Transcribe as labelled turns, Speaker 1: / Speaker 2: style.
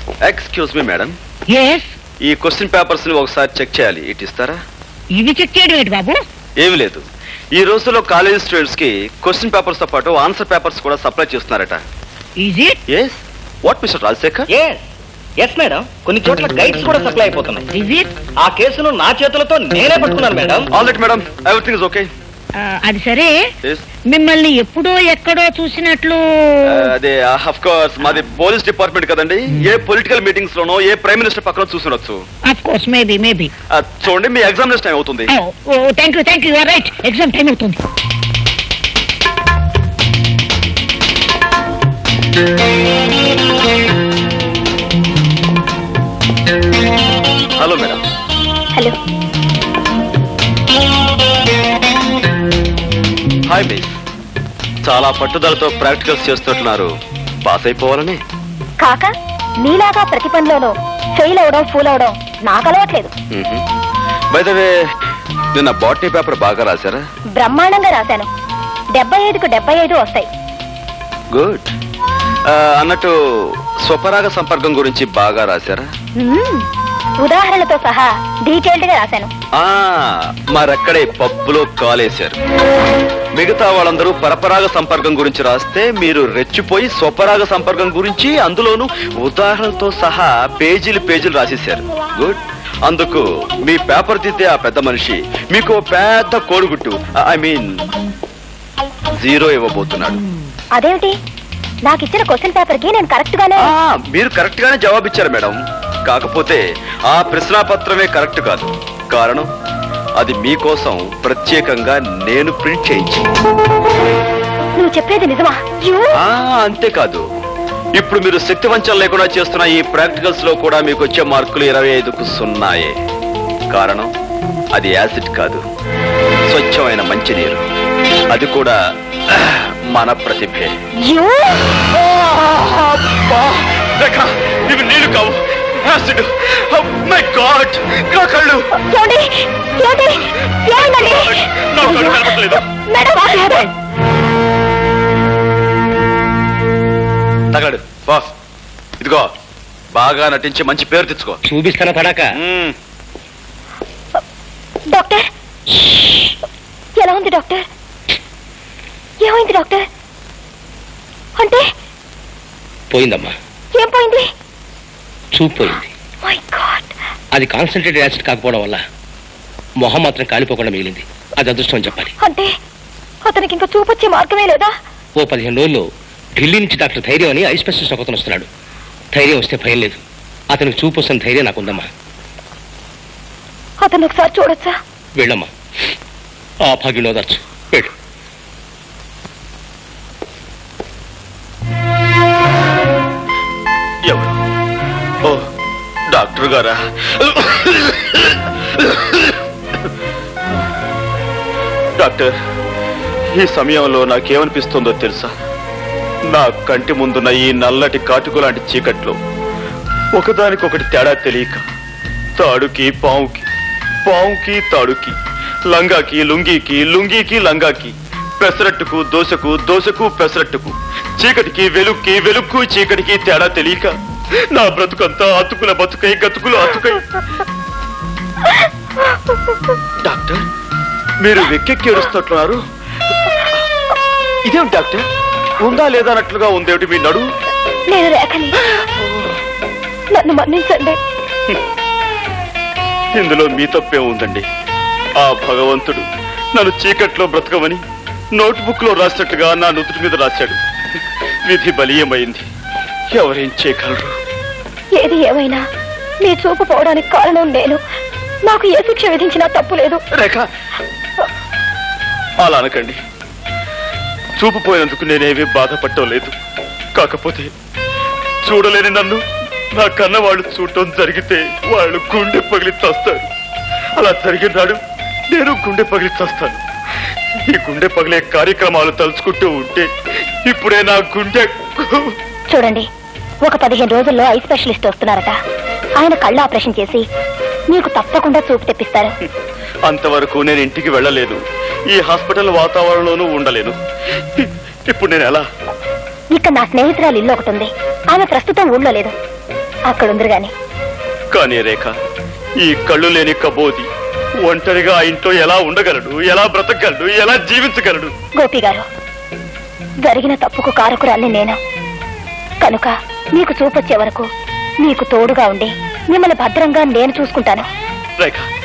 Speaker 1: Excuse me madam,
Speaker 2: yes,
Speaker 1: ఈ question papers ని ఒకసారి చెక్ చేయాలి. ఇటు ఇస్తారా?
Speaker 2: ఇవి చెక్ చేయడం ఏంటి బాబు?
Speaker 1: ఏమి లేదు, ఈ రోజుల్లో కాలేజ్ స్టూడెంట్స్ కి క్వశ్చన్ పేపర్స్ తో పాటు ఆన్సర్ పేపర్స్ కూడా సప్లై చేస్తున్నారట.
Speaker 2: Is it?
Speaker 1: Yes. What mister Rajasekhar?
Speaker 3: Yes madam, కొన్ని చోట్ల గైడ్స్ కూడా సప్లై అయిపోతున్నాయి.
Speaker 2: Is it?
Speaker 3: ఆ కేసును నా చేతులతో నేనే పట్టుకున్నాను మేడం.
Speaker 1: All right madam, everything is okay.
Speaker 2: అది సరే, మిమ్మల్ని ఎప్పుడో ఎక్కడో చూసినట్లు.
Speaker 1: అదే ఆఫ్ కోర్స్ మాది పోలీస్ డిపార్ట్మెంట్ కదండి. ఏ పొలిటికల్ మీటింగ్స్ లోనో ఏ ప్రైమ్ మినిస్టర్ పక్కన చూసినొచ్చు.
Speaker 2: Of course, maybe.
Speaker 1: చూడండి, మీ ఎగ్జామినేషన్ టైం అవుతుంది.
Speaker 2: Thank you, right, exam time అవుతుంది.
Speaker 1: Hello madam.
Speaker 4: Hello.
Speaker 1: Hi miss. చాలా పట్టుదలతో ప్రాక్టికల్స్ చేస్తున్నారు. పాస్ అయిపోవాలని.
Speaker 4: కాక నీలాగా ప్రతి పనిలోనూ ఫెయిల్ అవడం, ఫూల్ అవడం నాకు అలవాట్లేదు.
Speaker 1: బై ద వే, నిన్న బాటనీ పేపర్ బాగా రాశారా?
Speaker 4: బ్రహ్మాండంగా రాశాను. 75కు 75 వస్తాయి.
Speaker 1: గుడ్. అన్నట్టు స్వపరాగ సంపర్కం గురించి బాగా రాశారా?
Speaker 4: ఉదాహరణలతో సహా డీటెయిల్డ్ గా రాశాను.
Speaker 1: మరక్కడే పప్పులో కాలేశారు. మిగతా వాళ్ళందరూ పరపరాగ సంపర్కం గురించి రాస్తే మీరు రెచ్చిపోయి స్వపరాగ సంపర్కం గురించి అందులోనూ ఉదాహరణలతో సహా పేజీలు రాసేశారు. గుడ్. అందుకు మీ పేపర్ దిద్దే ఆ పెద్ద మనిషి మీకు పెద్ద కోడిగుట్టు, ఐ మీన్ 0 ఇవ్వబోతున్నాడు.
Speaker 4: అదేమిటి? నాకు ఇచ్చిన క్వశ్చన్ పేపర్ కి నేను కరెక్ట్ గానే.
Speaker 1: మీరు కరెక్ట్ గానే జవాబిచ్చారు మేడం. కాకపోతే ఆ ప్రశ్నాపత్రమే కరెక్ట్ కాదు. కారణం, అది మీకోసం ప్రత్యేకంగా నేను ప్రింట్ చేయించి.
Speaker 4: నువ్వు చెప్పేది నిజమా?
Speaker 1: అంతేకాదు, ఇప్పుడు మీరు శక్తి వంచన లేకుండా చేస్తున్న ఈ ప్రాక్టికల్స్ లో కూడా మీకు వచ్చే మార్కులు 25కు 0. కారణం, అది యాసిడ్ కాదు, స్వచ్ఛమైన మంచినీరు. అది కూడా మన ప్రతిభే. ఇవి నీళ్లు కావు, యాసిడ్. మై గాడ్, నా కళ్ళు. తగడు బాస్, ఇదిగో బాగా నటించి మంచి పేరు తెచ్చుకో.
Speaker 3: చూపిస్తానా పడాక?
Speaker 4: డాక్టర్, ఎలా ఉంది డాక్టర్? ఏమైంది డాక్టర్? అంటే
Speaker 3: పోయిందమ్మా.
Speaker 4: ఏం పోయింది?
Speaker 3: చూపు పోయింది.
Speaker 4: My god.
Speaker 3: అది కాన్సన్ట్రేటెడ్ యాసిడ్ కాకపోవడం వల్ల మొహం మాత్రం కాలిపోకుండా మిగిలింది. అది అదృష్టం అని చెప్పాలి.
Speaker 4: అంటే అతనికి ఇంకా చూపొచ్చే మార్గమే లేదా?
Speaker 3: ఓ 15 రోజుల్లో ఢిల్లీ నుంచి డాక్టర్ ధైర్యం అని ఐ స్పెషలిస్ట్ ఒకతను వస్తున్నాడు. ధైర్యం వస్తే భయం లేదు. అతనికి చూపు వస్తున్న ధైర్యం నాకుందమ్మా.
Speaker 4: అతను ఒకసారి చూడొచ్చా?
Speaker 3: వెళ్ళమ్మా, ఆ భాగ్యం ఓదార్చు. వెళ్ళు.
Speaker 1: ఎవరు? ఓ, డాక్టర్ గారా? డాక్టర్, ఈ సమయంలో నాకేమనిపిస్తుందో తెలుసా? నా కంటి ముందున్న ఈ నల్లటి కాటుకు లాంటి చీకట్లో ఒకదానికొకటి తేడా తెలియక తాడుకి పావుకి, పావుకి తాడుకి, లంగాకి లుంగీకి, లుంగీకి లంగాకి, పెసరట్టుకు దోశకు, దోశకు పెసరట్టుకు, చీకటికి వెలుక్కి, వెలుక్కు చీకటికి తేడా తెలియక నా బ్రతుకంతా అతుకుల బతుకై, గతుకులు అతుకై. డాక్టర్, మీరు వెక్కెక్కి ఏడుస్తున్నారు. ఇదేమిటి డాక్టర్, ఉందా లేదా అన్నట్లుగా ఉందేమిటి మీ నడు?
Speaker 4: నేను రేఖని, నన్ను మన్నించండి.
Speaker 1: ఇందులో మీ తప్పే ఉందండి. ఆ భగవంతుడు నన్ను చీకట్లో బ్రతకమని నోట్బుక్ లో రాసినట్టుగా నా నుదుటి మీద రాశాడు. విధి బలీయమైంది. ఎవరేం చేయగలరు?
Speaker 4: ఏది ఏమైనా నీ చూపు పోవడానికి కారణం నేను. నాకు ఏ శిక్ష విధించినా తప్పు లేదు.
Speaker 1: రేఖ, అలా అనకండి. చూపు పోయినందుకు నేనేమీ బాధపడటం లేదు. కాకపోతే చూడలేని నన్ను నా కన్న వాళ్ళు చూడటం జరిగితే వాళ్ళు గుండె పగిలి చస్తారు. అలా జరిగినాడు నేను గుండె పగిలి చస్తాను. ఈ గుండె పగిలే కార్యక్రమాలు తలుచుకుంటూ ఉంటే ఇప్పుడే నా గుండె.
Speaker 4: చూడండి, ఒక 15 రోజుల్లో ఐ స్పెషలిస్ట్ వస్తున్నారట. ఆయన కళ్ళ ఆపరేషన్ చేసి నీకు తప్పకుండా చూపు తెప్పిస్తారు.
Speaker 1: అంతవరకు నేను ఇంటికి వెళ్ళలేదు. ఈ హాస్పిటల్ వాతావరణంలోనూ ఉండలేను. ఇప్పుడు నేను ఎలా?
Speaker 4: ఇక్కడ నా స్నేహితురాలు ఇల్లు ఒకటి ఉంది. ఆమె ప్రస్తుతం ఊళ్ళో లేదు. అక్కడుందరు గాని.
Speaker 1: కానీ రేఖ, ఈ కళ్ళు లేని కబోది ఒంటరిగా ఆ ఇంట్లో ఎలా ఉండగలడు, ఎలా బ్రతకగలడు, ఎలా జీవించగలడు?
Speaker 4: గోపి గారు, జరిగిన తప్పుకు కారకురాల్ని నేను కనుక మీకు చూపొచ్చే వరకు మీకు తోడుగా ఉండి మిమ్మల్ని భద్రంగా నేను చూసుకుంటాను.
Speaker 1: రేఖ,